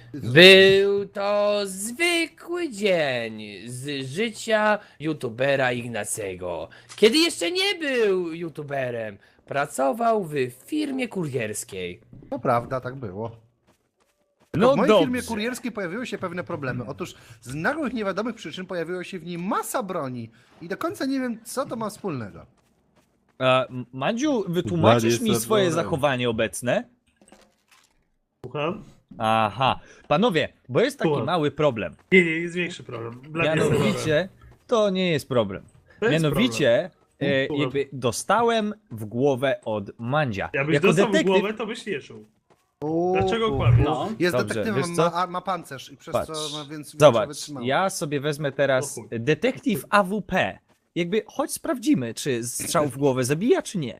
Był to zwykły dzień z życia youtubera Ignacego. Kiedy jeszcze nie był youtuberem, pracował w firmie kurierskiej. To prawda, tak było. No W mojej dobrze. firmie kurierskiej pojawiły się pewne problemy. Otóż z nagłych, niewiadomych przyczyn pojawiło się w niej masa broni. I do końca nie wiem, co to ma wspólnego. Mandziu, wytłumaczysz mi jest swoje zabrane. zachowanie obecne? Słucham? Aha. Panowie, bo jest taki Słucham. mały problem. Nie, jest większy problem. Mianowicie, to nie jest problem. To jest Mianowicie, Słucham. jakby dostałem w głowę od Mandzia. Jakbyś Jako dostał w detektyw, głowę, to byś nie czuł. Dlaczego kłamiesz? No. Jest Dobrze, detektywem, wiesz co? ma pancerz i przez Patrz. co ma więc Zobacz, wytrzymałość. ja sobie wezmę teraz O chuj. detektyw AWP. Jakby, chodź sprawdzimy, czy strzał w głowę zabija, czy nie.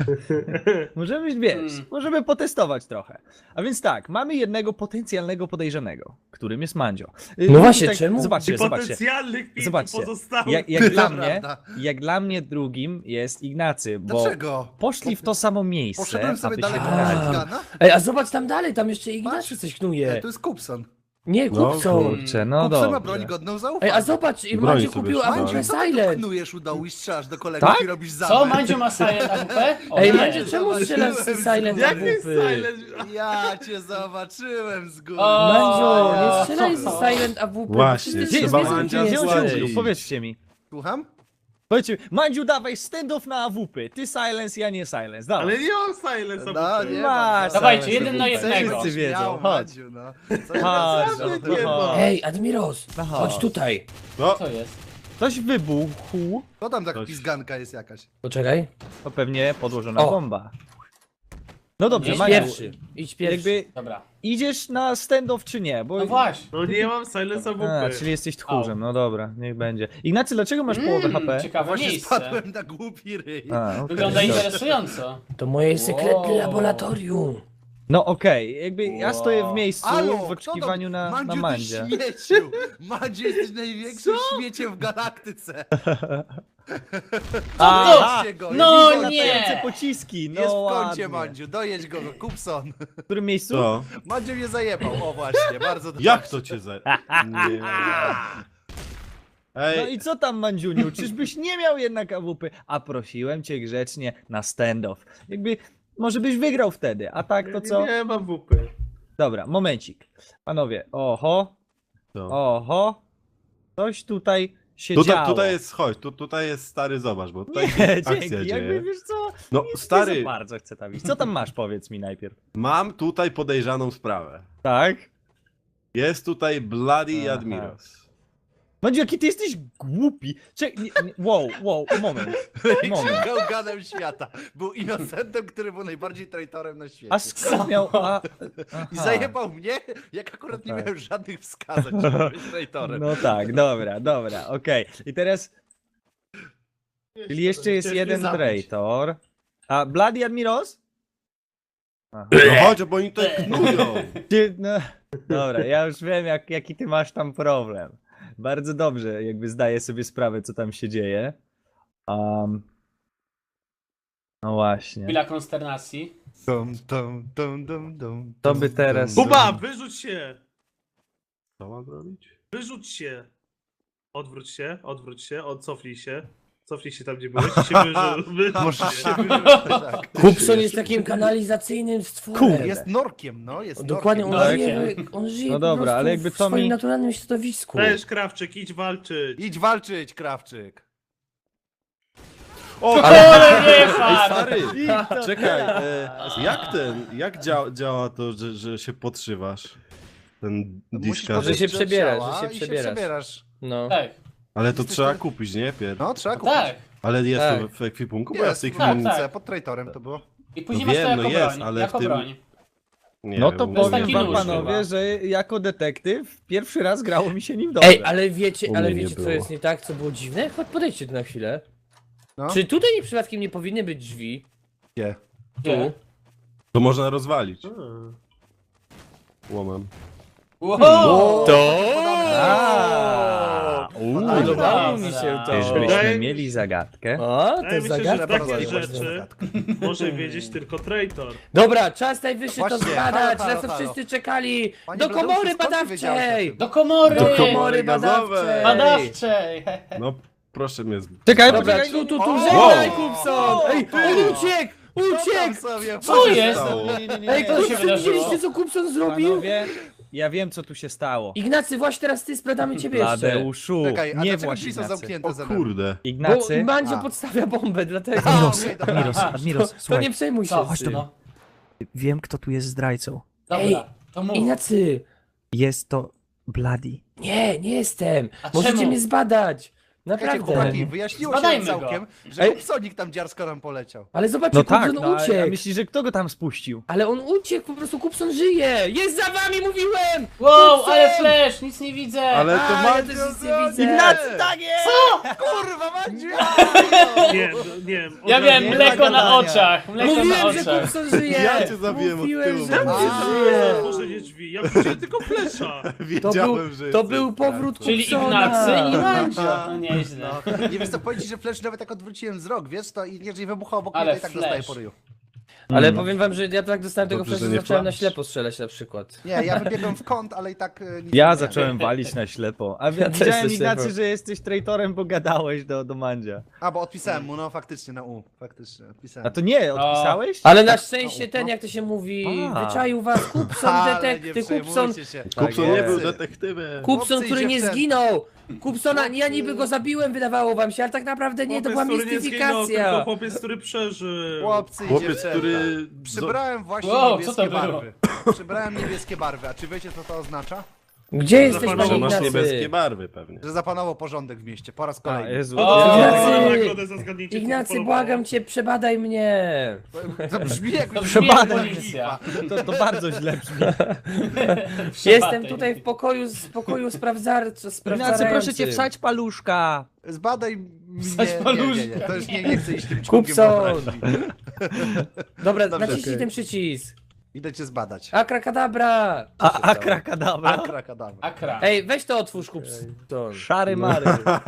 Możemy, wiesz, możemy potestować trochę. A więc tak, mamy jednego potencjalnego podejrzanego, którym jest Mandzio. No właśnie, tak, czemu? Zobaczcie, zobaczcie. Potencjalnych 5 Zobaczcie. pozostałych. Jak dla To mnie, prawda. jak dla mnie drugim jest Ignacy, bo Dlaczego? poszli w to samo miejsce, Poszedłem sobie aby dalej się do wygrać. shotguna. Ej, a zobacz tam dalej, tam jeszcze Ignacy coś knuje. To jest Kupson. Nie, No, kupcą. Kurczę, no Kupson ma broń dobrze. godną Ej, zaufania. a zobacz, i Broń Mandziu sobie kupił trzymaj. AWP Mandziu, co ty tu Silent. knujesz u dołu i strzelasz do kolegów Tak? i robisz Co, zamach? Mandzio ma Silent AWP? O, Ej, nie. Mandziu, czemu strzelasz z Silent Jak jest AWP? silent? Ja cię zobaczyłem z góry. O, Mandziu, nie ja. strzelaj z Silent AWP. Właśnie, przecież Gdzie ty jest trzeba wiesz, Mandzia gdzie Gdzie on jesteś. się ukrył? złazić. Powiedzcie mi. Słucham? Powiedzcie mi, Mandziu, dawaj stand-off na AWP. Ty silence, ja nie silence. Dawaj. Ale nie mam silence. No, nie Masz, Dawajcie, silence. jeden na jednego. Wszyscy wiedzą, Miał, chodź. Mandziu, no. Chodź, Naprawdę no, nie chodź. ma. Ej, Admiros, No chodź chodź. tutaj. No, Co jest? Ktoś wybuchł. To tam tak Coś. pizganka jest jakaś. Poczekaj. To pewnie podłożona O. bomba. No dobrze, Idź Mandziu, pierwszy. Idź pierwszy. jakby Dobra. idziesz na stand-off czy nie? Bo... No właśnie. No nie mam silence A, AWP. czyli jesteś tchórzem, no dobra, niech będzie. Ignacy, dlaczego masz połowę HP? Ciekawe Właśnie miejsce. spadłem na głupi ryj. A, okej. Wygląda interesująco. To moje sekretne Wow. laboratorium. No okej, jakby ja stoję w miejscu Alo, w oczekiwaniu na Mandzia. Mandziu, ty śmieciu! Mandziu, jesteś największym śmieciem w galaktyce! Aha, Dojedźcie go! No jest nie. latające pociski, no Jest w kącie, ładnie. Mandziu, dojedź go, Kupson! W którym miejscu? co? Mandziu mnie zajebał, o właśnie, bardzo dobrze. Jak to cię za... Nie. No Ej, i co tam, Mandziuniu? Czyżbyś nie miał jednak AWP? A prosiłem cię grzecznie na stand-off. Jakby, może byś wygrał wtedy, a tak to co? Nie mam AWP. Dobra, momencik. Panowie, oho, co? oho. Coś tutaj się Tutaj, działo. tutaj jest, chodź, tutaj jest stary, zobacz, bo tutaj Nie, się akcja dzięki, jakby dzieje. wiesz co? No Nie za stary, bardzo chcę tam iść. Co tam masz, powiedz mi najpierw. mam tutaj podejrzaną sprawę. Tak? Jest tutaj Bloody Aha. Admiros. Mandziu, jaki ty jesteś głupi. Wow, moment. Moment. Gałganem świata. Był innocentem, który był najbardziej traitorem na świecie. A skąd miał... Aha. I zajebał mnie, jak akurat nie tak. miałem żadnych wskazań, żeby być traitorem. No tak, dobra, okej. I teraz, czyli jeszcze jest Chciałeś mnie jeden zabić. traitor. A Bloody Admiros? Aha. No chodź, bo oni tutaj knują. No, dobra, ja już wiem, jaki ty masz tam problem. Bardzo dobrze, jakby zdaję sobie sprawę, co tam się dzieje. No właśnie. Chwila konsternacji. To by teraz- Buba, wyrzuć się! Co mam zrobić? Wyrzuć się! Odwróć się, cofnij się. Cofnij się tam, gdzie byłeś i się wyrzuć Możesz się się. wyrzucić, tak. Kupson jest takim kanalizacyjnym stworem. Kurde. Jest norkiem, no, jest Dokładnie, on norkiem. żyje, on żyje No po dobra, prostu ale jakby w to swoim mi- naturalnym środowisku. Też, Krawczyk, idź walczyć. Idź walczyć, Krawczyk. O, Ale nie Ej, fan! stary, czekaj, jak działa to, że się podszywasz? Ten Musisz diska, podejść się do przebierasz, ciała że się i przebierasz. No. Tak, ale to Jesteś trzeba tu- kupić, nie, Pier? No, trzeba kupić. tak. Ale jest Tak. to w ekwipunku, bo ja z Jest, tej w Tak, chwili... tak. tak. Pod traitorem to było. I później No masz to wiem, jako no jest, broń. ale Jako w tym- broń. Nie, No to wiem, powiem taki wam, nóż panowie, chyba. że jako detektyw pierwszy raz grało mi się nim dobrze. Ej, ale wiecie, U mnie nie co było. jest nie tak, co było dziwne? Chodź, podejdźcie tu na chwilę. No. Czy tutaj przypadkiem nie powinny być drzwi? Nie. Tu. To można rozwalić Hmm. łomem. Wow! To! A, Podobało mi się to. Czyżbyśmy Wydaje- mieli zagadkę? O, Wydaje to mi się, że zagadka takie była. rzeczy może wiedzieć tylko traitor. Dobra, czas najwyższy to Właśnie, zbadać, halo, na co halo. wszyscy czekali. Panie Do Bladeuszu, komory skąd ty wiedziałeś o badawczej! tym? Do komory! Do komory komory gazowej. badawczej! Badawczej! No proszę mnie. Czekaj, Dobra, poczekaj. tu, O! żegnaj, Kupson! Ej, on uciekł! Uciekł Uciekł! sobie! Co jest? stało? Ej, Co się Kupson, wydarzyło? widzieliście co Kupson zrobił? Panowie, ja wiem co tu się stało. Ignacy, właśnie teraz ty sprzedamy ciebie jeszcze. Bladeuszu, Czekaj, a nie dlaczego właśnie drzwi są Ignacy. zamknięte O ze mną? kurde. Bo Ignacy, Mandzio A. podstawia bombę, dlatego... Admiros, okej, dobra. Admiros, Admiros, To słuchaj, nie przejmuj się. Co? Chodź tu. No. wiem kto tu jest zdrajcą. Dobra, to mów. Ignacy, Jest to Bloody. nie jestem. A Możecie czemu? mnie zbadać. Czekajcie, Naprawdę. chłopaki, wyjaśniło się Zbadajmy całkiem, że Ej. Kupsonik tam dziarsko nam poleciał. Ale zobaczcie, No tak, Kupson no, a uciekł. myślisz, że kto go tam spuścił? Ale on uciekł, po prostu Kupson żyje! Jest za wami, mówiłem! Wow, Kupson! ale flash, nic nie widzę! Ale to A, ma... ja też nic nie widzę. Ignacy, tak jest! Kurwa, Mandziu! Nie, nie wiem. Ja od wiem, razu- mleko na gadania. oczach, mleko na Mówiłem, że oczach. Kupson żyje! Ja cię zabiłem od Mówiłem, tyłu. że A. Kupson żyje! Otworzenie drzwi, ja widziałem tylko flesza. Wiedziałem, że To jesteś był powrót zdrajcą. Czyli Kupsona. Ignacy i Mandzio. No nieźle. Nie wiesz co powiedzieć, że Flash nawet jak odwróciłem wzrok, wiesz, to i jeżeli wybuchał obok Ale mnie, to i tak Flash. dostaję po ryju. Ale powiem wam, że ja tak dostałem tego Dobrze, flasha, że że nie zacząłem na flash. ślepo strzelać na przykład. Nie, ja wybiegłem w kąt, ale i tak nic Ja nie zacząłem walić na ślepo. A Ja też widziałem na Ignacy, ślepo. że jesteś traitorem, bo gadałeś do Mandzia. A, bo odpisałem mu, no faktycznie, na U. Faktycznie, odpisałem. A to nie, odpisałeś? Ale na szczęście no. ten, jak to się mówi, A. wyczaił was Kupson, Ale nie detektyw, Kupson, przejmujcie się. Kupson Tak nie był jest. detektywem. Kupson, Chłopcy i który nie dziewczęta. zginął! Kupsona, ja niby go zabiłem, wydawało wam się, ale tak naprawdę nie, to była Chłopiec, który nie zginął, tylko mistyfikacja. chłopiec, który przeżył. Chłopcy i Chłopiec, dziewczęta. który... Przybrałem właśnie Wow, co niebieskie to było? barwy. Przybrałem niebieskie barwy, a czy wiecie co to oznacza? Gdzie jesteś, Zapanował, panie Że masz niebieskie Ignacy? barwy pewnie. Że zapanował porządek w mieście, po raz A, kolejny. Jezu. O, Ignacy! Nagrodę za zgadnięcie, co Ignacy, podobało. błagam cię, przebadaj mnie! To brzmi jak To brzmi Przebadaj jak policja. To bardzo źle brzmi. Jestem tutaj w pokoju Ignacy, sprawdzającym. proszę cię, wsadź paluszka. Zbadaj mnie. Wsadź paluszka. To już nie chcę iść tym członkiem Kupson! wyobraźni. Dobra, Dobrze, naciśnij okej. ten przycisk. Idę cię zbadać. Akrakadabra! A akrakadabra? Akrakadabra. Akra. Ej, weź to otwórz, Kupson. Szary mary.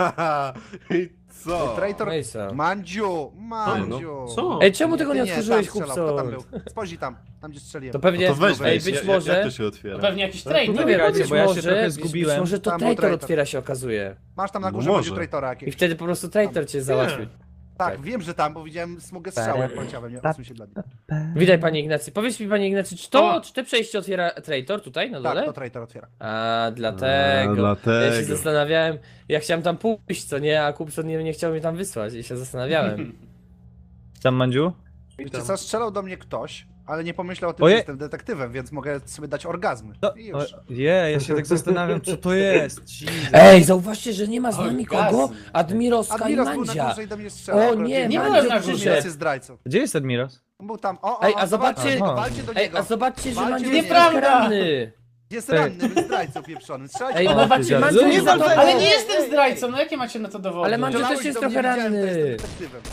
I co? Traitor Mejsa. Mandziu! Co? Ej, czemu tego nie Ty otworzyłeś, tam strzelał. Kto tam Kupson? był? Spojrzyj tam, tam gdzie strzeliłem. To pewnie, To weź, ej, weź. być Jak może... to się otwiera? To pewnie jakiś Nie traitor. wiem, Czekajcie, być bo ja się może, trochę być zgubiłem. może to Tam był traitor traitor. otwiera się okazuje. Masz tam na No górze może. będzie traitora I jakiegoś. wtedy po prostu traitor cię załatwił. Tak, tak. wiem, że tam, bo widziałem smugę strzału, jak poleciałem, nie odsuń się dla mnie. Witaj, panie Ignacy. Powiedz mi, panie Ignacy, czy te przejście otwiera traitor tutaj na Tak, dole? to traitor otwiera. A, dlatego. dlatego. Ja się zastanawiałem, ja chciałem tam pójść, co nie, a Kupson nie chciał mnie tam wysłać i się zastanawiałem. Tam, Mandziu? Wiecie co, strzelał do mnie ktoś, ale nie pomyślał o tym, Oje- że jestem detektywem, więc mogę sobie dać orgazmy. I już. Ja się tak zastanawiam, co to jest. Jesus. Ej, zauważcie, że nie ma z nami Orgazm. kogo? Admirowska i Admiros był na Mandzia. górze i do mnie strzelał. O akurat nie, Nie Mandzio byłem na przyszedł. górze. Admiros jest zdrajcą. Gdzie jest Admiros? On był tam. Ej, a zobaczcie- walcie do Ej, niego. a zobaczcie, że Walcie Mandzio do jest niego. troszkę ranny. Jest ranny, był zdrajcą pieprzony. Strzelajcie Ej, do O, niego. zobaczcie, ty Mandzio dziadu. jest za tobą. Ale nie jestem zdrajcą, no jakie macie na to dowody? Ale Mandzio Strzelałeś też jest do mnie, trochę widziałem, że ranny. jestem detektywem.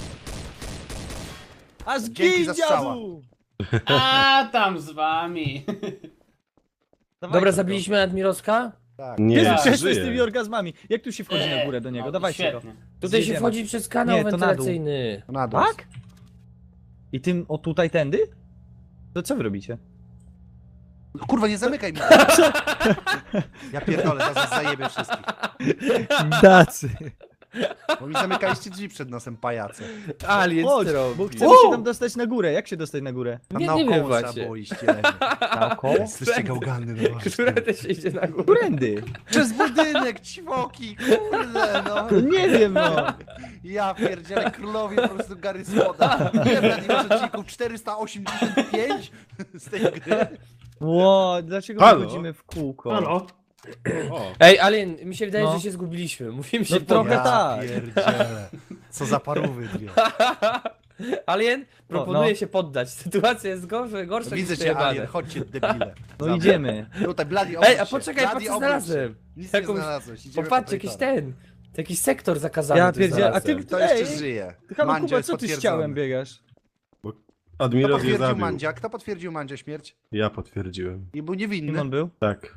A Dzięki za strzała. A tam z wami. Dobra, zabiliśmy Admirowska? Tak. Nie, Jezu, Tak. przestań z tymi żyje. orgazmami. Jak tu się wchodzi na górę do niego? No, Dawajcie go. świetnie. Tutaj się Zjedziemy. wchodzi przez kanał Nie, to na dół. wentylacyjny. Na dół. Tak? I tym, o tutaj, tędy? To co wy robicie? Kurwa, nie zamykaj mi. Ja pierdolę, zaraz zajebie wszystkich. Dacy. Bo mi zamykaliście drzwi przed nosem, pajace. Alien Chodź, robi. bo chcemy się tam dostać na górę. Jak się dostać na górę? Tam Nie naokoło wiem trzeba właśnie. było iść, jelenie. Naokoło? Jesteście gałgany, no właśnie. Które też idzie na górę. Którędy? Przez budynek, ćwoki, kurde, no. No nie wiem, no. Ja pierdzielę, królowie po prostu Gary Słoda. Ile brali masz odcinków? 485 z tej gry? Ło, dlaczego Halo? my chodzimy w kółko? Halo? O, Ej, Alien, mi się wydaje, No. że się zgubiliśmy. Musimy się No trochę Ja tak. pierdzielę. Co za parówy dwie. Alien, proponuję no. się poddać. Sytuacja jest gorsza Widzę niż cię, przejebane. Alien, chodźcie debile. No idziemy. Tutaj, Bladi, Ej, obróć a się. poczekaj, Bladi, patrz co obróć znalazłem. się. Nic Jakąś- nie znalazłeś. Idziemy Popatrzcie, po jakiś traitora. ten. Jakiś sektor zakazany. Ja tu pierdzielę, a znalazłem. ty- To jeszcze Ej, żyje. Halo, Mandzio Kuba, jest co ty z potwierdzony. ciałem biegasz? Kto Admiros je potwierdził zabił. Mandzia? Kto potwierdził Mandzia śmierć? Ja potwierdziłem. I był Kim niewinny. on był? Tak.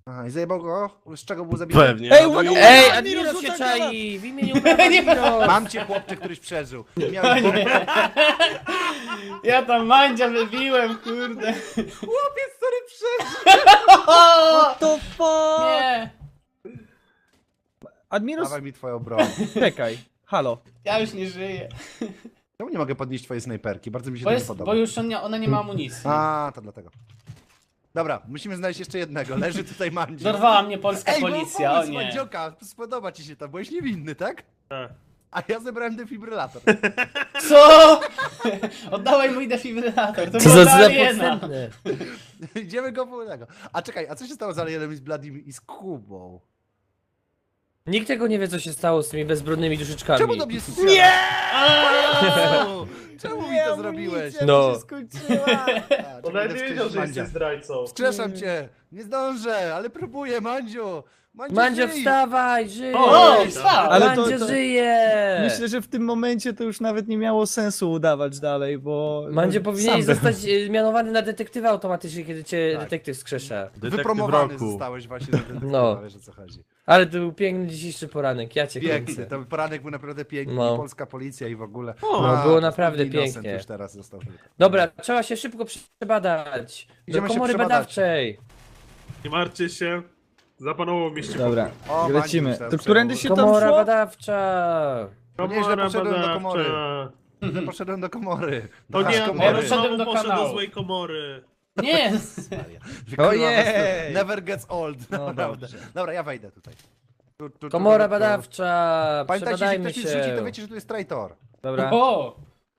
Aha, i zajebał go? Z czego był zabity? Pewnie. Ej, no uwaga, i- uwaga! Ej, Admiros Admiros się rzuca granat! czai! W imieniu prawa Admiros! Mam cię, chłopcze, któryś przeżył. Miałeś bombę. Ja tam Mandzia wybiłem, kurde. Chłopiec, który przeżył! What the fuck? Nie, Admiros, Dawaj mi twoją broń. czekaj. Halo. ja już nie żyję. Czemu nie mogę podnieść twojej snajperki? Bardzo mi się Bo, to nie jest, podoba. bo już ona nie ma amunicji. A, to dlatego. Dobra, musimy znaleźć jeszcze jednego. Leży tutaj Mandzio. Dorwała mnie polska Ej, policja, o pomysł, nie. Mandzioka, spodoba ci się to, byłeś niewinny, tak? Tak. A ja zebrałem defibrylator. Co? Oddawaj mój defibrylator, to Co była za aliena. podstępne. Idziemy go po tego. A czekaj, a co się stało z Alienem i z Bladim i z Kubą? Nikt tego nie wie, co się stało z tymi bezbronnymi duszyczkami. Czemu do mnie strzelasz? Nie! Czemu mi to zrobiłeś? No. się skończyła. A, On czekaj, nawet nie idę wiedział, że wskrzesić jesteś zdrajcą. Wskrzeszam cię! Nie zdążę, ale próbuję, Mandziu! Mandzio, żyj! wstawaj, żyj! O, wstał! Ale to- Mandzio to- żyje! Myślę, że w tym momencie to już nawet nie miało sensu udawać dalej, bo... Mandzio sam powinien bym- zostać mianowany na detektywa automatycznie, kiedy cię Tak. detektyw skrzesza. Detektyw Wypromowany roku. zostałeś właśnie na detektywa, No. wiesz o co chodzi. Ale to był piękny dzisiejszy poranek, ja cię Piękny, kręcę. to poranek był naprawdę piękny, No. i polska policja i w ogóle. No, było naprawdę innocent pięknie. Już teraz został. Dobra, trzeba się szybko przebadać. Do Idziemy się komory przebadać. badawczej. Nie martwcie się. Zapanował mieście. Dobra, O, lecimy. Mandziu, To którędy się tam Komora szło? badawcza. Nieźle poszedłem do komory. badawcza. Ja poszedłem do komory. To Do nie, komory. Ja on poszedłem znowu do poszedł kanału. do złej komory. Nie! Kurwa, Ojej! Never gets old. No Naprawdę. dobrze. Dobra, ja wejdę tutaj. Komora badawcza. Pamiętajcie, jeśli Przebadajmy ktoś mi zrzuci, to się. wiecie, że tu jest traitor. Dobra, O!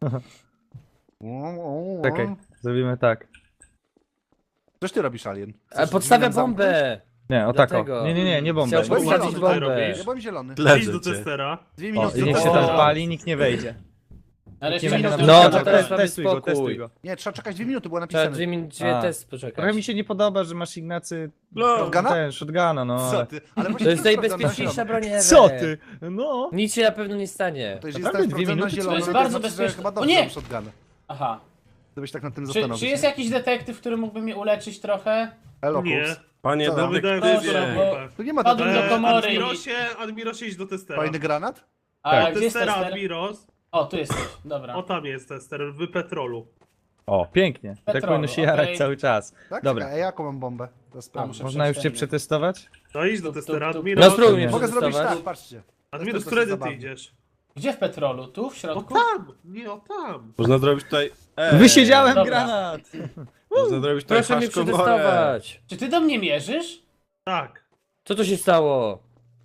czekaj, zrobimy tak. Coś ty robisz, Alien? Podstawia drzwi nam bombę. Nie, o tako. Dlatego. Nie bombę. Chciał Bo postawić zielony. tutaj bombę. robisz? Ja byłem zielony. Idź Ledzę do cię. testera. 2 O, minuty. i niech się O. tam pali, nikt nie wejdzie. Ale Nikt nie będzie minut nam No, do to przeszkadzał. teraz mamy Testuj go, spokój. testuj go. Nie, trzeba czekać 2 minuty, było Trzeba napisane. dwie A. testy Trochę poczekać. mi się nie podoba, że masz Ignacy Shotguna? ten, shotguna, no. Co ale- ty? Ale To właśnie jest sprawdzam na najbezpieczniejsza zielono. broń ever. Co ty? No. Nic się na pewno nie stanie. To jeżeli Naprawdę jestem 2 sprawdzony na minuty? zielono, To jest to bardzo znaczy, że bezpieczne. chyba O dobrze nie! mam shotguna. Aha. Gdybyś tak nad tym Czy zastanowić. jest jakiś detektyw, który mógłby mnie uleczyć trochę? Elo, Nie. Kups. Panie Co? Wydałem Proszę, wszystko. bo- Tu nie ma Padłem do komory i- Admirosie idź do testera. Fajny granat? A Tak. gdzie jest Testera, tester? Admiros. O, tu jesteś, dobra. O, tam jest tester, w petrolu. O, pięknie. Tak Petrolu, powinno się jarać okej. cały czas. Tak? Dobra. A jaką mam bombę? To A, sprawdzę. muszę Można już cię przejść przetestować? No idź do Tup, testera, tup, tup. Admiros. No spróbuj mnie Mogę zrobić przetestować. tak, patrzcie. Admiros, To którędy ty zabawne. idziesz? Gdzie w petrolu? Tu, w O środku? tam! Nie, o tam! Można zrobić tutaj... Wysiedziałem Dobra. granat! Można zrobić tutaj Proszę mnie haszkomorę. przetestować. Czy ty do mnie mierzysz? Tak. Co tu się stało?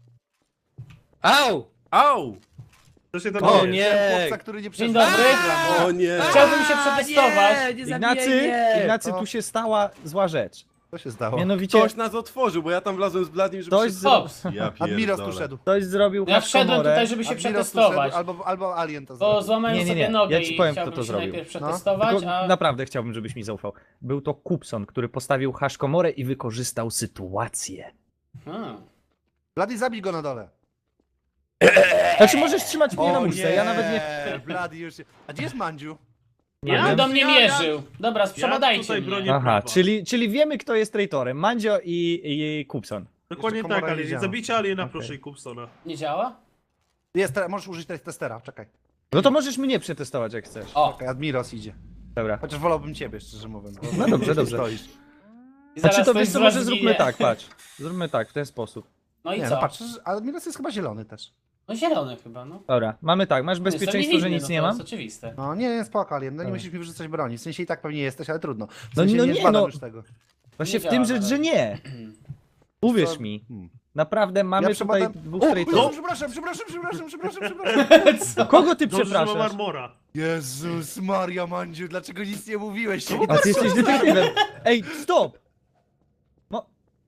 Au! Au! To się tam O dzieje. nie! Chłopca, który nie Dzień przeżył. dobry. O nie! Chciałbym się przetestować. Nie zabijaj Ignacy, mnie! Ignacy, O. tu się stała zła rzecz. Co się stało? Mianowicie Ktoś nas otworzył, bo ja tam wlazłem z Bladim, żeby Ktoś się... Hops. Ja Admiros tu pierdolę. szedł. ktoś zrobił Ja wszedłem haszkomorę. tutaj, żeby się Admiros tu przetestować. szedł, albo Alien to Bo zrobił. złamałem Nie, nie, sobie nie. nogę Ja ci i powiem, kto chciałbym to się zrobił. najpierw No. przetestować, Tylko a... naprawdę chciałbym, żebyś mi zaufał. Był to Kupson, który postawił haszkomorę i wykorzystał sytuację. Blady, zabij go na dole. Znaczy możesz trzymać mnie na muszce, ja nawet nie... Blady już się... A gdzie jest Mandziu? Nie On wiem. do mnie mierzył. Dobra, przebadajcie tutaj mnie. bronię- Aha, prawa. czyli wiemy, kto jest traitorem. Mandzio i Kupson. Dokładnie Jeszcze tak, komora ale nie działa. zabijcie Aliena, Okej. proszę, i Kupsona. Nie działa? Jest, możesz użyć testera, czekaj. No to możesz mnie przetestować, jak chcesz. O, Czekaj, Admiros idzie. Dobra. Chociaż wolałbym ciebie, szczerze mówiąc. bo- No dobrze, dobrze. Stoisz. i Znaczy zaraz to ktoś wiesz z co, was może zróbmy zginie. tak, patrz. Zróbmy tak, w ten sposób. No i Nie, co? no patrz, Admiros jest chyba zielony też. No zielony chyba, no. Dobra, mamy tak, masz Jestem bezpieczeństwo, niewinny, że nic no nie to mam? jest oczywiste. No nie, spoko, Alien, no nie Dobra. musisz mi wyrzucać broni. W sensie i tak pewnie jesteś, ale trudno. W No, sensie no nie nie, zbadam no. już tego. Właśnie Nie w tym działa rzecz, na że razie. nie. Uwierz Co? mi, Hmm. naprawdę mamy Ja tutaj przebadam- dwóch O, traitorów. przepraszam. Co? Kogo ty Dobrze, że mam przepraszasz? armora. Jezus Maria, Mandziu, dlaczego nic nie mówiłeś? A ty jesteś detektywem. Ej, stop! No.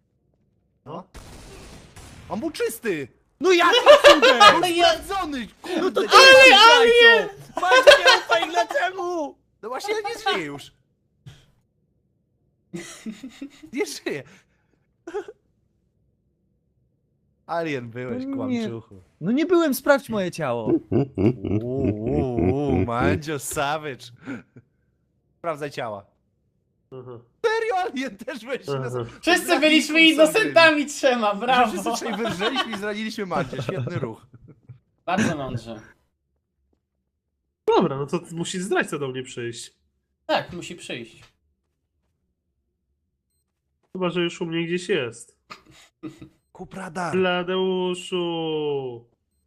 On był czysty! No jak cudem? Sprawdzony! No to Kurde, ty jesteś zdrajcą! Macie nie ufaj, dlaczego? No właśnie, ale nie żyje już. Nie żyje. Alien byłeś, Nie. kłamczuchu. No nie byłem, sprawdź moje ciało. Mandzio Savage. Sprawdzaj ciała. Aha. Serio, Alien też weź się nas... Wszyscy byliśmy innocentami trzema, brawo! Wszyscy trzej wyrżeliśmy i zraniliśmy Mandzie. Świetny ruch. Bardzo mądrze. Dobra, no to musi zdrajca do mnie przyjść. Tak, musi przyjść. Chyba, że już u mnie gdzieś jest. Kup radar. Bladeuszu!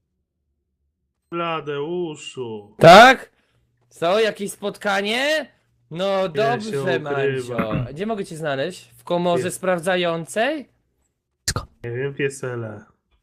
Bladeuszu! Tak? Co, jakieś spotkanie? No się dobrze, ukrywa. Mandzio. Gdzie mogę cię znaleźć? W komorze Jest. sprawdzającej? Nie wiem, piesele.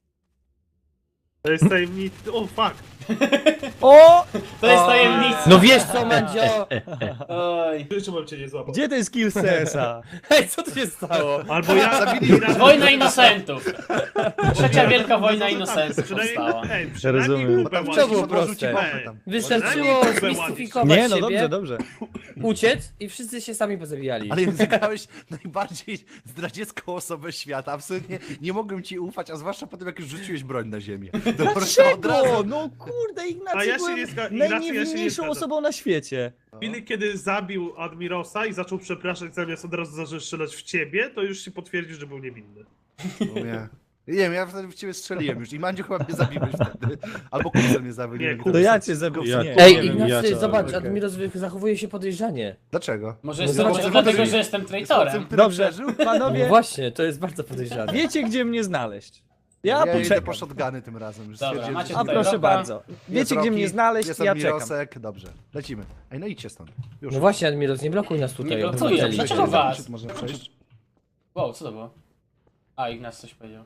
To jest tajemnicy. O, fuck! O! To jest O, tajemnica. No wiesz co, Mandzio? Oj. Czemu cię nie złapał? Gdzie ten skill CS-a? Hej, co tu się stało? Albo ja... Zabili- Wojna inocentów. Trzecia wielka wojna inocentów Przynajmniej, powstała. ej, przynajmniej Rozumiem. kupę To ładnie. było Odłożył ci proste. bombę tam. Wystarczyło Ładnie. zmistyfikować Nie, no siebie, dobrze, dobrze. uciec i wszyscy się sami pozabijali. Ale zagrałeś najbardziej zdradziecką osobę świata. Absolutnie nie mogłem ci ufać, a zwłaszcza po tym, jak już rzuciłeś broń na ziemię. To po prostu od razu... Dlaczego? No kurde, Ignacy A ja się byłem nie zga- Ignacy, ja się nie najniewinniejszą zgadzam. osobą na świecie. W chwili, kiedy zabił Admirosa i zaczął przepraszać zamiast od razu zaczął strzelać w ciebie, to już się potwierdził, że był niewinny. No nie. Nie wiem, ja wtedy w ciebie strzeliłem już i Mandziu chyba mnie zabiłeś wtedy. Albo Kupcel mnie zabił. Nie, wiem, kto To To jest. ja cię zabiję. Ja- Nie. Ej, nie wiem, Ignacy, ja to- zobacz, okej. Admiros zachowuje się podejrzanie. Dlaczego? Może No jest zobacz, może co dlatego, robi. że jestem Chłopcem, traitorem. który Dobrze, przeżył? No panowie, właśnie, to jest bardzo podejrzane. wiecie gdzie mnie znaleźć. Ja Ja idę poczekam. po shotguny tym razem. Już Dobra, stwierdziłem, macie że- A tutaj proszę Roka. bardzo. Wiecie Jest gdzie Rocky, mnie znaleźć, jest ja czekam. Admirosek. Dobrze, lecimy. Ej, no idźcie stąd. Już. No właśnie, Admiros, nie blokuj nas tutaj. Nie blokuję, obywateli. dlaczego was? Można przejść? Wow, co to było? A, Ignacy coś powiedział.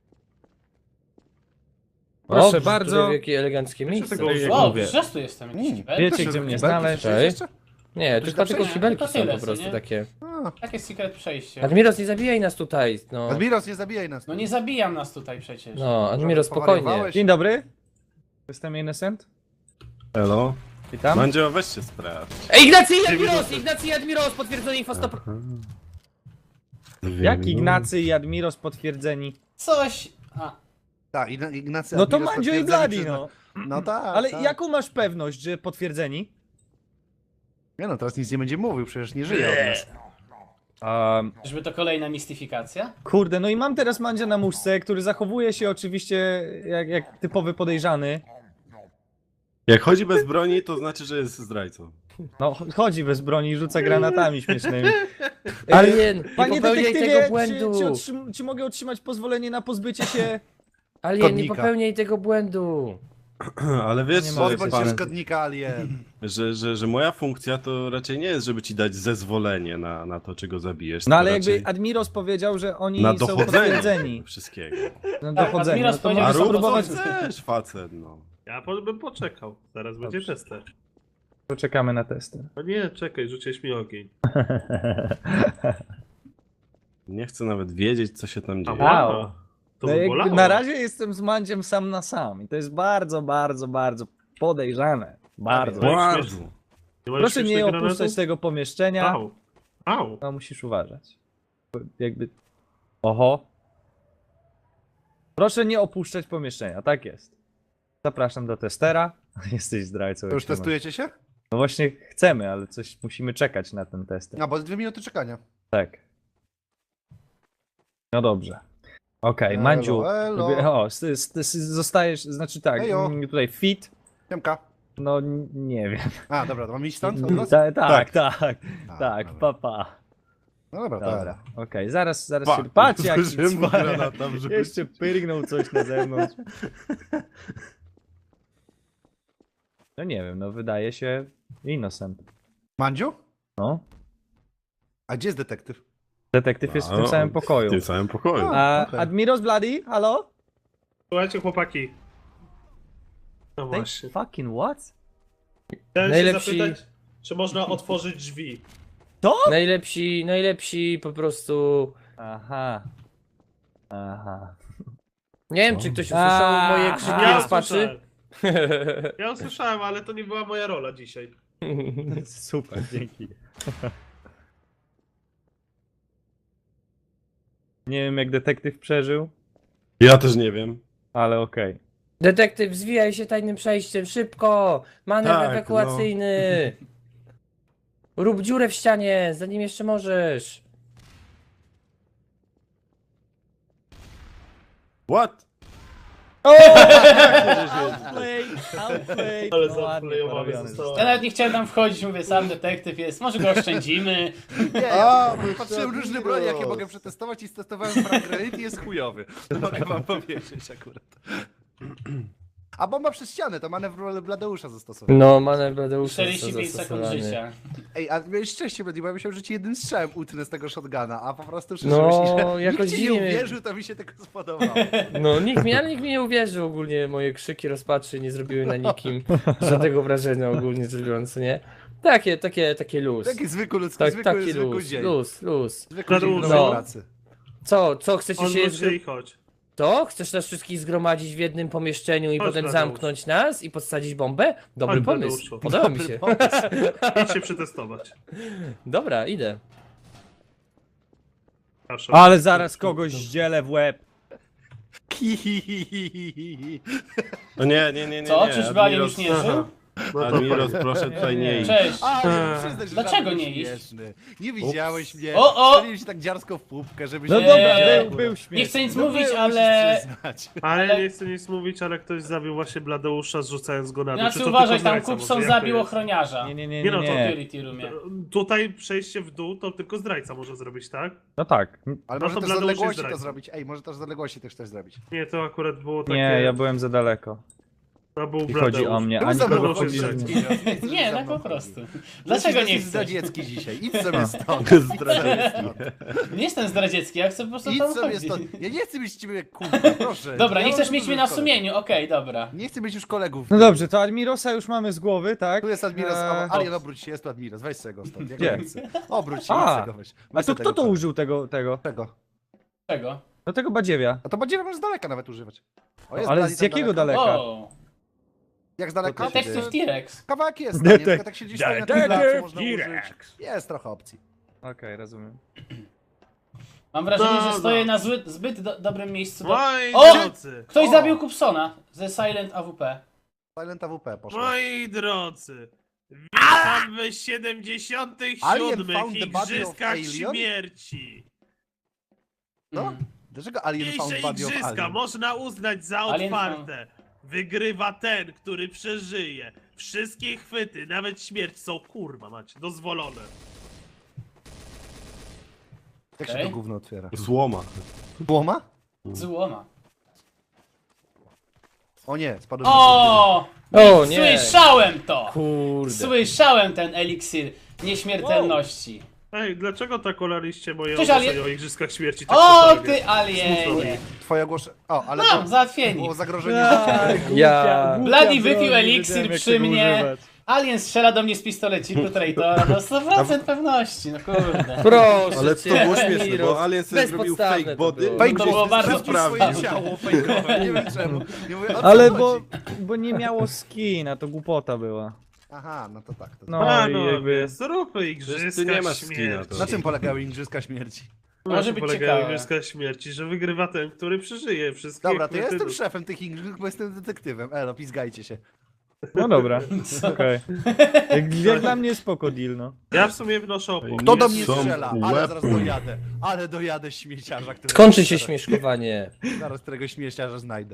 Proszę O, bardzo. tutaj Jakie eleganckie miejsce. tego- Wow, mówię. przecież tu jestem, jakiś kibel. Wiecie gdzie mnie znaleźć. Cześć. Nie, to Ktoś chyba tam tylko przejdzie? kibelki Tylko są tyle, po co prostu nie? takie. A, Takie secret przejście. Admiros, nie zabijaj nas tutaj, no. Admiros, nie zabijaj nas. No nie zabijam nas tutaj przecież. No, Admiros, spokojnie. Powariowałeś? Dzień dobry. Jestem Innocent. Elo? Witam. Mandzio, weź się sprawdź. Ej, Ignacy i Admiros! Ignacy i Admiros, potwierdzone info 100%. Jak Ignacy i Admiros potwierdzeni? Coś... A, Tak, Ignacy No to Admiros Mandzio i potwierdzony Bladi, przez- no. No tak. Ale tak. jaką masz pewność, że potwierdzeni? Nie no, teraz nic nie będzie mówił, przecież nie żyje od nas. żeby to kolejna mistyfikacja? Kurde, no i mam teraz Mandzia na muszce, który zachowuje się oczywiście jak typowy podejrzany. Jak chodzi bez broni, to znaczy, że jest zdrajcą. No, chodzi bez broni i rzuca granatami śmiesznymi. Alien, nie Panie popełniaj detektywie, tego błędu. czy mogę otrzymać pozwolenie na pozbycie się... Alien, nie Kodnika. popełniaj tego błędu. Ale wiesz, Nie że, mogę Pozbądź się pan, szkodnika Alien. że moja funkcja to raczej nie jest, żeby ci dać zezwolenie na to, czy go zabijesz. No tylko ale raczej jakby Admiros powiedział, że oni na są dochodzenie potwierdzeni. wszystkiego. Na Tak, dochodzenie. Admiros No to powiedział, mogę A że rób spróbować... co chcesz, facet, no. Ja bym poczekał. Zaraz będzie tester. Poczekamy na testy. No nie, czekaj, rzuciłeś mi ogień. Nie chcę nawet wiedzieć, co się tam dzieje. Wow. To No by jakby bolało. na razie jestem z Mandziem sam na sam i to jest bardzo, bardzo, bardzo podejrzane. Bardzo. Wow. Bardzo. Nie masz Proszę nie śmiesznych opuszczać granatów? tego pomieszczenia. Au. Au. No musisz uważać. Jakby... Oho. Proszę nie opuszczać pomieszczenia, tak jest. Zapraszam do testera. Jesteś zdrajcą. To jak już się ma. testujecie się? No właśnie chcemy, ale coś musimy czekać na ten test. No, bo 2 minuty czekania. Tak. No dobrze. Okej, Mandziu. elo. O, zostajesz, znaczy tak, Ejo. tutaj fit. Siemka. No nie wiem. A, dobra, to mam iść stąd? od razu? Tak, A, tak, dobra. papa. No dobra, Dobra, tak. okej, zaraz Pa, się... Patrz jak zdążyłem mu granata wrzucić. jeszcze pyrgnął coś na zewnątrz. No nie wiem, no wydaje się innocent. Mandziu? No, A gdzie jest detektyw? detektyw jest w tym No, samym pokoju. W tym samym pokoju. A okej. Admiros Bloody, halo? Słuchajcie, chłopaki. No Say właśnie. fucking what? Chciałem Najlepsi- się zapytać, czy można otworzyć drzwi. Najlepsi po prostu... Aha. Aha. Nie wiem, czy ktoś usłyszał moje krzyki Ja rozpaczy. usłyszałem. Ja usłyszałem, ale to nie była moja rola dzisiaj. Super, dzięki. Nie wiem jak detektyw przeżył, Ja też nie wiem. ale okej. Detektyw, zwijaj się tajnym przejściem, szybko! Manewr Tak, ewakuacyjny! Rób dziurę w ścianie, zanim jeszcze możesz. What? Outplay, outplay. Ale No ładnie zaplejowany porobiony zostało. Ja nawet nie chciałem tam wchodzić, mówię, sam detektyw jest, może go oszczędzimy. Nie, ja patrzyłem różne broni, jakie mogę przetestować i stestowałem frag granate i jest chujowy. To mogę wam powiedzieć akurat. A bomba przez ścianę, to manewr Bladeusza zastosował. No, manewr Bladeusza 45 sekund życia. Ej, a miałeś szczęście, Blady, bo ja myślałem, że ci jednym strzałem utnę z tego shotguna, a po prostu No, że jakoś nikt ci nie dziwnie. uwierzył, to mi się tego spodobało. No, nikt mi nie uwierzył ogólnie, moje krzyki rozpaczy nie zrobiły na nikim żadnego wrażenia ogólnie rzecz biorąc, nie? Takie luz. Taki zwykły ludzki, Tak, zwykły taki luz, dzień. luz. Zwykły dzień No. no. pracy. Co, chcecie się Odwróć się i chodź. To? Chcesz nas wszystkich zgromadzić w jednym pomieszczeniu i Chodź, potem Tadeusz. zamknąć nas i podsadzić bombę? Dobry Chodź, pomysł. Tadeuszu. Podoba mi się. Idź się przetestować. Dobra, idę. Proszę. Ale zaraz kogoś zdzielę w łeb. O nie. Co? Czyżby Alien już nie Admiros- żył? Admiros, proszę tutaj nie iść. Cześć. A, nie przyznać, że Dlaczego żart nie był iść? śmieszny. Nie widziałeś mnie. O! Strzeliłem się tak dziarsko w pupkę, żeby się... No Nie. dobra, Eee, był śmieszny. Nie chcę nic No mówić, było, ale... musisz przyznać. Ale nie chcę nic mówić, ale ktoś zabił właśnie Bladeusza, zrzucając go na dół. Czy Znaczy to uważaj, tylko tam zdrajca Kupson może? Jak to zabił jest? ochroniarza. Nie. Nie no, W to security roomie. Tutaj przejście w dół to tylko zdrajca może zrobić, tak? No tak. Ale No może to też z Bladeusz jest odległości to zdrajcą. zrobić. Ej, może też z odległości też coś zrobić. Nie, to akurat było takie... Nie, ja byłem za daleko. To był I chodzi Bladeusz. o mnie, Był a za nikogo mną chodzi. chodzi. Nie, tak po prostu. Dlaczego nie chcesz? zdradziecki dzisiaj. Idź sobie stąd. Zdradziecki. Nie jestem zdradziecki, ja chcę po prostu Idź tam sobie chodzić. stąd. Ja nie chcę mieć ciebie jak kurwa, proszę. Dobra, Ja nie mam chcesz mieć dużo mnie na kolegów. sumieniu, okej, dobra. Nie chcę mieć już kolegów. No dobrze, to Admirosa już mamy z głowy, tak? Tu jest Admiros, Eee, Alien, obróć się, jest tu Admiros, weź sobie go stąd. Ja Gdzie? go nie chcę. Obróć się, A, idź sobie go weź. A Weź to sobie kto tego to kolesia. użył tego? Czego? Czego? No tego badziewia. A to badziewa możesz z daleka nawet używać. O, jest Ale Blady z tam jakiego daleko. daleka? O, Jak z daleka? To Detektyw T-Rex. Kawałek jest, Detek- nie? Tylko tak siedzisz sobie na tym Detektyw placu, można użyć. T-Rex. Jest trochę opcji. Okej, rozumiem. Mam wrażenie, że Dobra. stoję na zbyt dobrym miejscu. Moi O! drodzy, Ktoś O! zabił Kupsona ze Silent AWP. Silent AWP poszło. moi drodzy, witam w 77. Alien found the body of Igrzyskach alien? śmierci. No? Mm. Dlaczego Alien found Dzisiejsze body of igrzyska Alien? można uznać za Alien otwarte. Wygrywa ten, który przeżyje. Wszystkie chwyty, nawet śmierć są kurwa macie, dozwolone. Jak się Okej. to gówno otwiera? Złoma. Błoma? Złoma. O nie, spadłem na O! O nie! Słyszałem to! Kurde. Słyszałem ten eliksir nieśmiertelności. Ej, dlaczego tak olaliście moje Cześć, ogłoszenie Alien. o igrzyskach śmierci? Tak O, totalnie? ty alienie! Twoje ogłoszenie. O, ale Mam, to załatwieni. było zagrożenie życia. Ja- Bloody wypił eliksir przy mnie. Alien strzela do mnie z pistoleciku Traitora, no 100% pewności, no kurde. Proszę Ale to cię, było śmieszne, Admiros. bo Alien sobie zrobił Bezpodstawne fake to body. było. Fake To było body, bardzo sprawdził swoje podstawne. ciało fejkowe, nie wiem czemu. Nie mówię, o co Ale chodzi? bo nie miało skina, to głupota była. Aha, no to tak. To No A, i no, jakby... zróbmy Przecież igrzyska ty nie masz śmierci. skina, to- Na czym polegały igrzyska śmierci? Może Na czym być polegają ciekawe. igrzyska śmierci, że wygrywa ten, który przeżyje wszystkie Dobra, to ja chwyty jestem do- szefem tych igrzysk, bo jestem detektywem. Elo, pizgajcie się. No dobra, okej. Jak dla mnie spoko deal, no. Ja w sumie wnoszę opór. Kto do Nie mnie są strzela? Ale łeb. zaraz dojadę. Ale dojadę śmieciarza, który... Skończy się śmieszkowanie. Zaraz którego śmieciarza znajdę.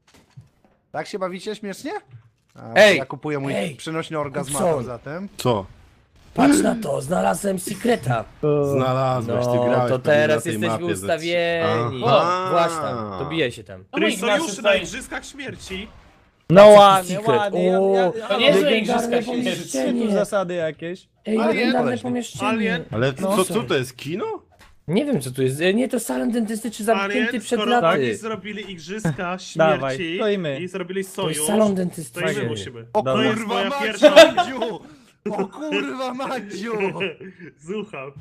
Tak się bawicie śmiesznie? A, Ej! Ja kupuję mój Ej! przynośny orgazmator Kupson! zatem. Co? Patrz na to, znalazłem sekreta. Znalazłeś, ty No, grałeś to pewnie teraz na tej jesteśmy mapie ze ustawieni. Aha. O, właśnie tam, to bije się tam. No mój Czyli Ignacy sojusz na tutaj... igrzyskach śmierci. No Taki ładnie, secret. ładnie. O, To niezłe legendarne igrzyska śmierci. Są tu pomieszczenie. zasady jakieś. Ej, Alien, legendarne koleś. pomieszczenie. Alien. Ale No. co to jest, kino? Nie wiem co tu jest. Nie, to salon dentystyczny zamknięty Alien, przed skoro oni laty. zrobili igrzyska Dawaj, śmierci to i my. i zrobili To sojusz, jest salon to i dentystyczny. my musimy. O Dobra. To jest kurwa moja Madziu! pierwsza... O kurwa Madziu! Słucham.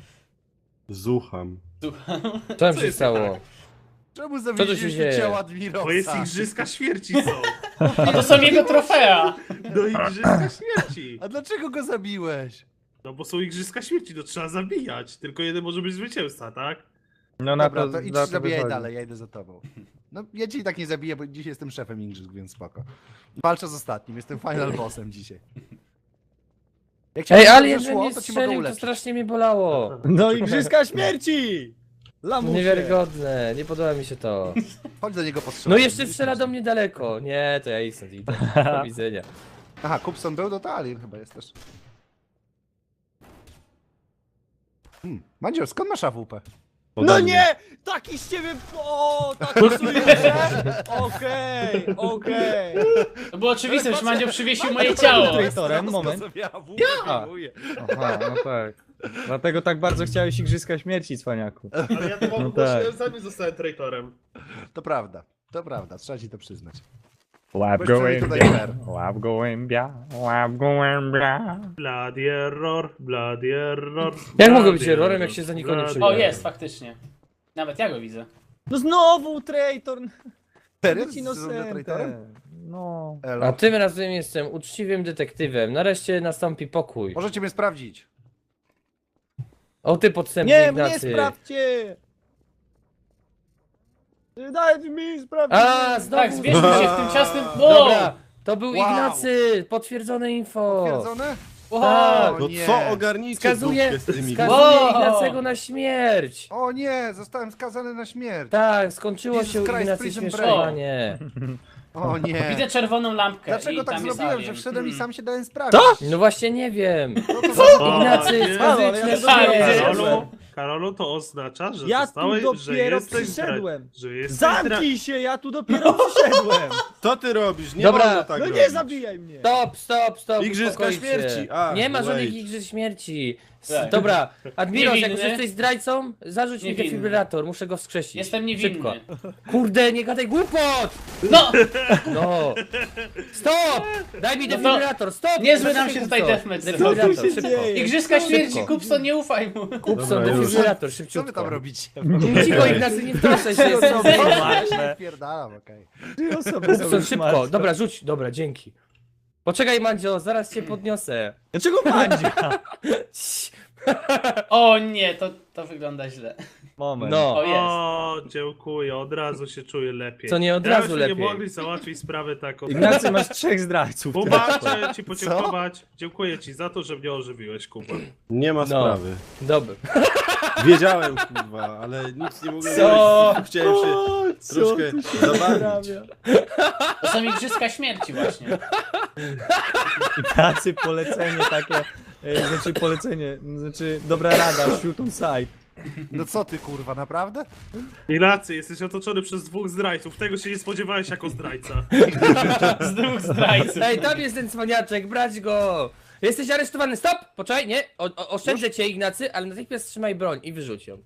Zucham. Co tam Co się jest stało? tak? Czemu tu się zawieźliście dzieje? ciało Bo jest Admirosa? igrzyska śmierci są. A to są jego trofea. Do igrzyska śmierci. A dlaczego go zabiłeś? No bo są igrzyska śmierci, to trzeba zabijać. Tylko jeden może być zwycięzca, tak? No na Dobra, to, to idź na to zabijaj wychodzi. dalej, ja idę za tobą. No ja cię i tak nie zabiję, bo dzisiaj jestem szefem igrzysk, więc spoko. Walczę z ostatnim, jestem final bossem dzisiaj. Jak cię Ej, dobrze Alien we szło, mnie to ci mogę strzelił, to uleczyć. strasznie mnie bolało. No igrzyska śmierci! Lamusie. Niewiarygodne, nie podoba mi się to. Chodź do niego postrzelać. No jeszcze strzela do mnie daleko. Nie, to ja i stąd idę. Do widzenia. Aha, Kupson był, to Alien chyba jest też. Mandzio, skąd masz AWP? No Ode mnie. nie! Taki z ciebie... O, taki sojusze! Okej. To było oczywiste, że Mandzio przywiesił moje ciało. Traitorem, moment. Ja! Aha, no tak. Dlatego tak bardzo chciałeś igrzyska śmierci, cwaniaku. Ale ja to No no tak. zanim zostałem traitorem. To prawda, trzeba ci to przyznać. Łap Byłeś przynajmniej tutaj fair. łap gołębia, łap gołębia. Bloody error, bloody error. Jak mogę być errorem, jak się za nikogo nie bloody przyjąłem? O, jest, faktycznie. Nawet ja go widzę. No znowu traitor! Serio? Być Z traitorem? innocentem. No. Elo. A tym razem jestem uczciwym detektywem. Nareszcie nastąpi pokój. Możecie mnie sprawdzić. O ty podstępny Nie, mnie Ignacy. sprawdźcie! Dajcie mi sprawdzić! A, znowu. Tak, zwierzmy się w tym ciasnym... Dobra, to był Wow. Ignacy. Potwierdzone info. Potwierdzone? Tak. O No nie. co ogarnijcie Skazuje, dupkę z tymi skazuje Wow. Ignacego na śmierć. O nie, zostałem skazany na śmierć. Tak, skończyło Jesus się u Christ, Ignacy Prison śmieszkowanie. O nie. Widzę czerwoną lampkę Dlaczego i tak tam jest zrobiłem, alien. że wszedłem i Hmm. sam się dałem sprawdzić? No właśnie nie wiem. O, Ignacy, nie. skazuje Ale ja cię to na dopiero śmierć. Karolu, Karolu, to oznacza, że Ja tu zostałeś, że dopiero jesteś przyszedłem. Że jesteś Zamknij się, ja tu dopiero przyszedłem! Co ty robisz? Nie Dobra. wolno tak No robić. nie zabijaj mnie! Stop, Igrzyska uspokój się. śmierci. A, Nie ma żadnych wait. igrzysk śmierci. Tak. Dobra, Admiros, jak Niewinny. już jesteś zdrajcą, zarzuć mi Niewinny. defibrylator, muszę go wskrzesić. Jestem niewinny. Szybko. Kurde, nie gadaj głupot! No! No! Stop! Daj mi No to defibrylator, stop! niezły nam Daj się mi tutaj to. deathmatch Defibrylator, Co tu się szybko. dzieje? Igrzyska śmierci, Szybko. Kupson, nie ufaj mu. Kupson, Dobra, już. defibrylator, Co wy szybciutko. tam robicie? Cicho, Ignacy, nie wtrącaj się, jestem Ważne. Pierdalam, okej. Trzy osoby są Kupson, już szybko, martwe. dobra, rzuć, dobra, dzięki. Poczekaj, Mandzio, zaraz cię podniosę. Dlaczego Mandzia? O nie, to wygląda źle. Moment. No, O, jest. O, dziękuję, od razu się czuję lepiej. co nie od razu Jakbyśmy lepiej. nie mogli załatwić sprawy taką. Ignacy, masz 3 zdrajców. Kuba, chciałem ci podziękować. Dziękuję ci za to, że mnie ożywiłeś, Kuba. Nie ma No. sprawy. Dobra. Wiedziałem, kurwa, ale nic nie mogłem Co? zrobić. Chciałem się troszkę zabawić. To są igrzyska śmierci właśnie. Ignacy, polecenie takie, znaczy dobra rada, shoot on sight. No co ty kurwa, naprawdę? Ignacy, jesteś otoczony przez 2 zdrajców. Tego się nie spodziewałeś jako zdrajca. Z 2 zdrajców. Ej, tam jest ten cwaniaczek, brać go! Jesteś aresztowany, stop! Poczekaj, nie, oszczędzę cię, Ignacy, ale natychmiast trzymaj broń i wyrzuć ją.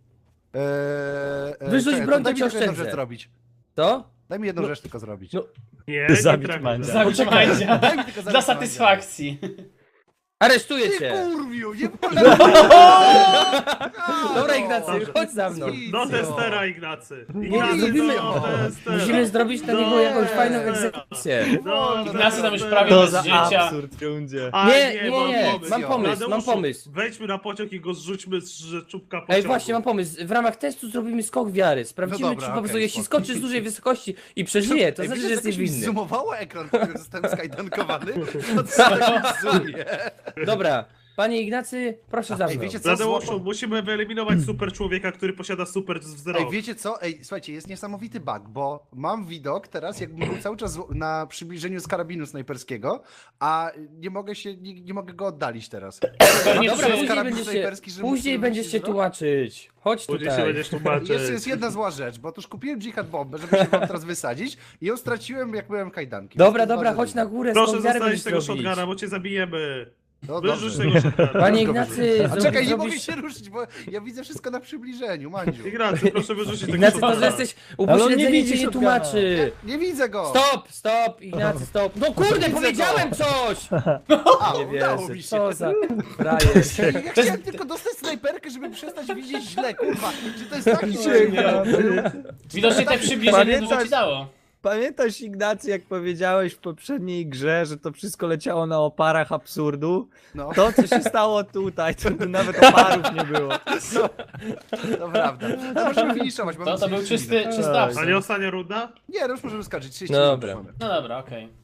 Wyrzuć czekaj, broń, to daj cię mi tylko jedną oszczędzę. rzecz zrobić. To? Daj mi jedną No. rzecz tylko zrobić. No. Nie, nie Zabić trafisz. Mandzia. Zabić Mandzia. Daj mi tylko Dla zabić satysfakcji. Aresztuję Ty cię! kurwiu, nie polecam! Dobra, Ignacy, chodź za mną. Do testera, Ignacy. Nie, Ignacy, zrobimy, do testera. musimy zrobić na niego jakąś fajną egzekucję. Ignacy tam już prawie To bez za życia. absurd, rundzie. A, Nie, mam mam Tadeuszu, pomysł. Wejdźmy na pociąg i go zrzućmy z czubka pociągu. Ej, właśnie, mam pomysł. W ramach testu zrobimy skok wiary. Sprawdzimy, No dobra, czy po prostu okej, jeśli spoko. skoczysz z dużej wysokości i przeżyje, to Ej, znaczy, wiecie, że jesteś jakoś mi winny. zoomowało ekran, kiedy zostałem skajdankowany? To co taki zoomie? Dobra, panie Ignacy, proszę za Ej, mną. wiecie co? Tadeuszu, musimy wyeliminować super człowieka, który posiada super wzrok. Ej, wiecie co? Ej, słuchajcie, jest niesamowity bug, bo mam widok teraz, jakbym był cały czas na przybliżeniu z karabinu snajperskiego, a nie mogę go oddalić teraz. Pewnie Dobra, przy- później karabin będziesz snajperski, się, żeby później musisz będziesz się zrobić? tłumaczyć. Chodź Później się tutaj. będziesz tłumaczyć. Jest jedna zła rzecz, bo otóż kupiłem dżihad bombę, żeby się wam teraz wysadzić i ją straciłem, jak byłem kajdanki. Dobra, To jest dobra, bardzo chodź na dziwne. górę, Proszę skok wiary zostawić będziesz tego robić. shotguna, bo cię zabijemy. No Wyrzuć dobrze. tego shotguna. Panie Tylko Ignacy, wyrzuć. A czekaj, nie zrobisz- mogę się ruszyć, bo ja widzę wszystko na przybliżeniu, Mandziu. Ignacy, proszę wyrzucić tego Ignacy, to shotguna. że jesteś Ale on nie upośledzenie widzi cię nie shotguna. tłumaczy. Nie widzę go! Stop, Ignacy, stop. No kurde, Widzę powiedziałem coś! A, Nie udało wierzę, mi się. co za frajer. Ja chciałem tylko dostać snajperkę, żeby przestać widzieć źle, kurwa. Czy to jest taki dźwięk? Widocznie te przybliżenie dużo ci dało. Pamiętasz, Ignacy, jak powiedziałeś w poprzedniej grze, że to wszystko leciało na oparach absurdu? No, To, co się stało tutaj, to tu nawet oparów nie było. to prawda. No możemy finiszować. mamy To był 30 minut. czysty A absurd. nie ostatnia runda? Nie, no już możemy skończyć. 30 Dobra. minut już mamy. No dobra, okej.